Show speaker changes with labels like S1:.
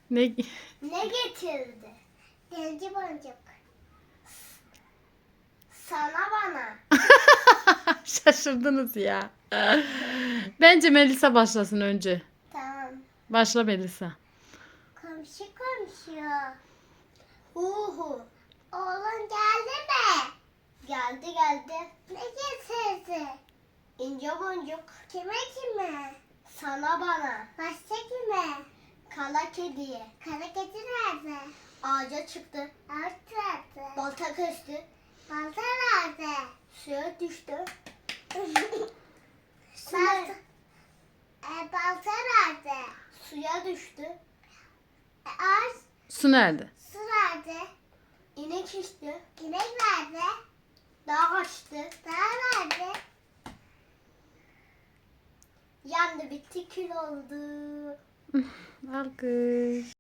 S1: Ne?
S2: Ne getirdi? Denci boncuk. Sana bana.
S1: Şaşırdınız ya. Bence Melisa başlasın önce.
S2: Tamam.
S1: Başla Melisa.
S2: Komşu komşu. Hu. Oğlun geldi mi? Geldi. Ne getirdi? İnce boncuk. Kime? Sana bana. Başka kime? Kara kediye. Kara kedi nerede? Ağaca çıktı. Ağaç nerede? Balta kesti. Balta nerede? Suya düştü. Balta nerede? Suya düştü. Ağaç.
S1: Su nerede?
S2: Su nerede? İnek içti. İnek nerede? Dağ kaçtı. Dağ nerede? Yandı bitti kül oldu.
S1: Alkış.